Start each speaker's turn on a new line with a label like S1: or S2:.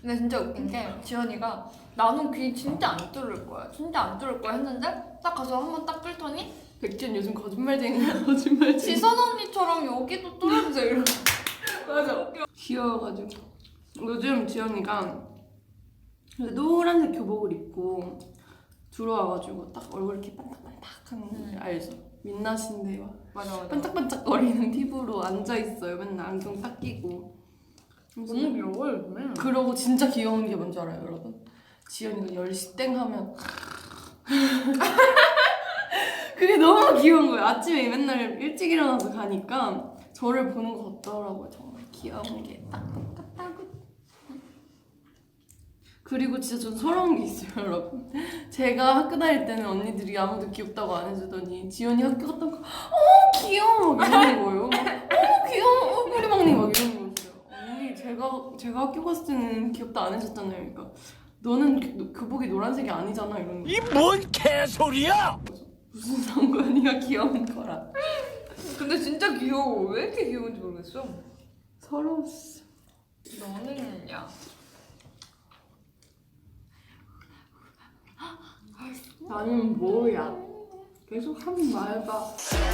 S1: 근데 진짜 웃긴 게 지연이가 나는 귀 진짜 안 뚫을 거야. 진짜 안 뚫을 거야 했는데 딱 가서 한번 딱 뚫더니
S2: 백지연 요즘 거짓말쟁이야. 거짓말쟁이.
S1: 지선 언니처럼 여기도 뚫어주세요 이러고.
S2: 맞아. 귀여워가지고. 요즘 지연이가 노란색 교복을 입고 들어와가지고 딱 얼굴 이렇게 반짝반짝한 알죠? 민낯인데 막
S1: 맞아.
S2: 반짝반짝거리는 피부로 앉아있어요. 맨날 안경 딱 끼고.
S1: 너무 귀여워 요즘에.
S2: 그러고 진짜 귀여운 게 뭔지 알아요, 여러분? 지연이가 10시 땡 하면 그게 너무 귀여운 거예요. 아침에 맨날 일찍 일어나서 가니까 저를 보는 것 같더라고요. 정말 귀여운 게 딱 똑같다고. 그리고 진짜 전 서러운 게 있어요, 여러분. 제가 학교 다닐 때는 언니들이 아무도 귀엽다고 안 해주더니 지연이 학교 갔다 오니까 귀여워 막 이러는 거예요. 막 귀여워 우리 막내 막 이러는 거였어요. 언니 제가 학교 갔을 때는 귀엽다 안 해줬잖아요. 그러니까 너는 교복이 노란색이 아니잖아 이러는 거예요.
S3: 이 뭔 개소리야!
S2: 무슨 상관이야 귀여운 거랑.
S1: 근데 진짜 귀여워. 왜 이렇게 귀여운지 모르겠어.
S2: 서러웠어.
S1: 너는 야.
S2: 나는 뭐야? 계속 하는 말봐.